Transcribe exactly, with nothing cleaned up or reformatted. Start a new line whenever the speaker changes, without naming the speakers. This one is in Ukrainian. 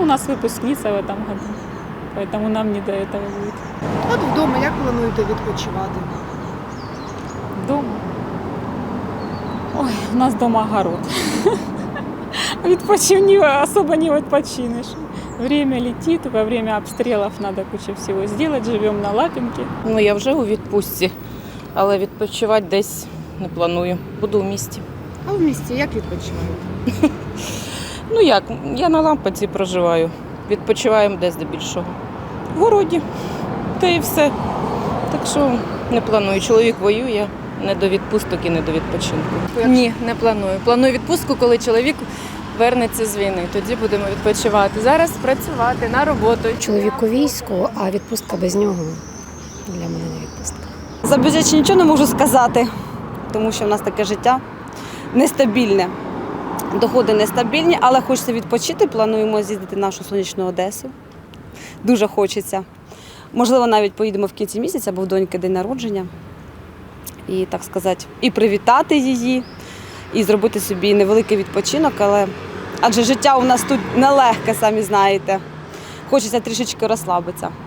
у нас выпускница в этом году, поэтому нам не до этого будет.
От вдома як плануєте відпочивати?
Дома? Ой, у нас дома огород. Відпочив не, особо не відпочинеш. Время летит, во время обстрелов надо кучу всего сделать, живем на Лапинке.
Ну, я вже у відпустці, але відпочивати десь не планую. Буду в місті.
А в місті як відпочиваєте?
Ну як, я на Лампаці проживаю. Відпочиваємо десь здебільшого. В городі. Та і все. Так що не планую. Чоловік воює, не до відпусток і не до відпочинку.
Ні, не планую. Планую відпустку, коли чоловік вернеться з війни. Тоді будемо відпочивати. Зараз працювати на роботу.
Чоловік у війську, а відпустка без нього для мене не відпустка.
За бюджет ще нічого не можу сказати, тому що в нас таке життя нестабільне. Доходи нестабільні, але хочеться відпочити. Плануємо з'їздити в нашу сонячну Одесу. Дуже хочеться. Можливо, навіть поїдемо в кінці місяця, бо в доньки день народження. І, так сказати, і привітати її, і зробити собі невеликий відпочинок, але адже життя у нас тут нелегке, самі знаєте. Хочеться трішечки розслабитися.